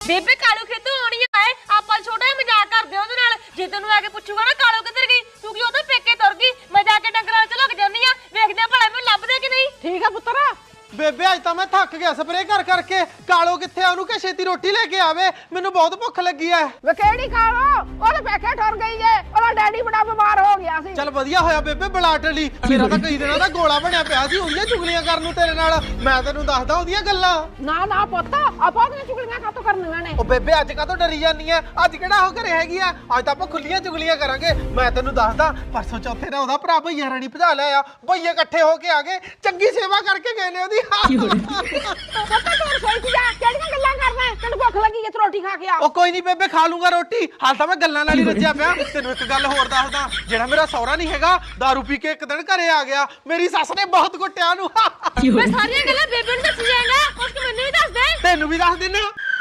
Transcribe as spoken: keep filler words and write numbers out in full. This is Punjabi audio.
ਬੇਬੇ ਕਾਲੂ ਖੇਤੋਂ ਆਉਣੀ ਆਏ ਆਪਾਂ ਛੋਟਾ ਜਿਹਾ ਮਜ਼ਾਕ ਕਰਦੇ ਉਹਦੇ ਨਾਲ ਜੇ ਤੈਨੂੰ ਆ ਕੇ ਪੁੱਛੂਗਾ ਨਾ ਕਾਲੂ ਕਿੱਧਰ ਗਈ ਤੂੰ ਕਿ ਉਹਦੇ ਪੇਕੇ ਤੁਰ ਗਈ ਮੈਂ ਜਾ ਕੇ ਡੰਗਰਾਂ 'ਚ ਲੁਕ ਜਾਂਦੀ ਆ ਵੇਖਦੇ ਆ ਭਲਾ ਮੈਨੂੰ ਲੱਭਦੇ ਕਿ ਨਹੀਂ। ਠੀਕ ਆ ਪੁੱਤਰ। ਬੇਬੇ ਅੱਜ ਤਾਂ ਮੈਂ ਥੱਕ ਗਿਆ ਸਪਰੇ ਕਰ ਕਰਕੇ। ਕਾਲੋ ਕਿੱਥੇ ਆ? ਉਹਨੂੰ ਕਿ ਛੇਤੀ ਰੋਟੀ ਲੈ ਕੇ ਆਵੇ, ਮੈਨੂੰ ਬਹੁਤ ਭੁੱਖ ਲੱਗੀ ਐ। ਵੇ ਕਿਹੜੀ ਕਾਲੋ? ਉਹਦੇ ਪੇਕੇ ਠੁਰ ਗਈ ਏ, ਉਹਦਾ ਡੈਡੀ ਬੜਾ ਬਿਮਾਰ ਹੋ ਗਿਆ ਸੀ। ਚੱਲ ਵਧੀਆ ਹੋਇਆ ਬੇਬੇ ਬਲਾਟ ਲਈ, ਮੇਰਾ ਤਾਂ ਕਈ ਦਿਨਾਂ ਦਾ ਗੋਲਾ ਬਣਿਆ ਪਿਆ ਸੀ ਉਹਦੀਆਂ ਚੁਗਲੀਆਂ ਕਰਨ ਨੂੰ ਤੇਰੇ ਨਾਲ। ਮੈਂ ਤੈਨੂੰ ਦੱਸਦਾ ਉਹਦੀਆਂ ਗੱਲਾਂ। ਨਾ ਨਾ ਪੁੱਤ ਆਪਾਂ ਉਹਦੀਆਂ ਚੁਗਲੀਆਂ ਕਾਤੋਂ ਕਰਨੀਆਂ ਨੇ? ਉਹ ਬੇਬੇ ਅੱਜ ਕਾਹਤੋਂ ਡਰੀ ਜਾਂਦੀ ਐ? ਅੱਜ ਕਿਹੜਾ ਉਹ ਘਰੇ ਹੈਗੀ ਆ? ਅੱਜ ਤਾਂ ਆਪਾਂ ਖੁੱਲੀਆਂ ਚੁਗਲੀਆਂ ਕਰਾਂਗੇ। ਮੈਂ ਤੈਨੂੰ ਦੱਸਦਾ ਪਰਸੋਂ ਚੌਥੇ ਨਾ ਉਹਦਾ ਭਰਾ ਭਈਆ ਰਾਣੀ ਭਜਾ ਲਿਆ। ਭਈਏ ਇਕੱਠੇ ਹੋ ਕੇ ਆ ਗਏ, ਚੰਗੀ ਸੇਵਾ ਕਰਕੇ ਗਏ ਨੇ ਉਹਦੀ। ਪੁੱਤ ਤੂੰ ਰਸੋਈ 'ਚ ਜਾ, ਕਿਹੜੀਆਂ ਗੱਲਾਂ ਕਰਦਾ? ਤੈਨੂੰ ਭੁੱਖ ਲੱਗੀ ਏ, ਤੂੰ ਰੋਟੀ ਖਾ ਕੇ ਆ। ਉਹ ਕੋਈ ਨਹੀਂ ਬੇਬੇ ਖਾ ਲੂੰਗਾ ਰੋਟੀ, ਹਾਲ ਤਾਂ ਮੈਂ ਗੱਲਾਂ ਨਾਲ ਹੀ ਰੱਜਿਆ ਪਿਆ। ਤੈਨੂੰ ਇੱਕ ਗੱਲ ਹੋਰ ਦੱਸਦਾ, ਜਿਹੜਾ ਮੇਰਾ ਸਹੁਰਾ ਨਹੀਂ ਹੈਗਾ ਦਾਰੂ ਪੀ ਕੇ ਇੱਕ ਦਿਨ ਘਰੇ ਆ ਗਿਆ, ਮੇਰੀ ਸੱਸ ਨੇ ਬਹੁਤ ਕੁੱਟਿਆ ਉਹਨੂੰ। ਮੈਂ ਸਾਰੀਆਂ ਗੱਲਾਂ ਬੇਬੇ ਨੂੰ ਦੱਸ ਜਾਏਗਾ ਕੁਝ ਮੈਨੂੰ ਵੀ ਦੱਸ ਦੇ। ਤੈਨੂੰ ਵੀ ਦੱਸ ਦਿੰਨਾ।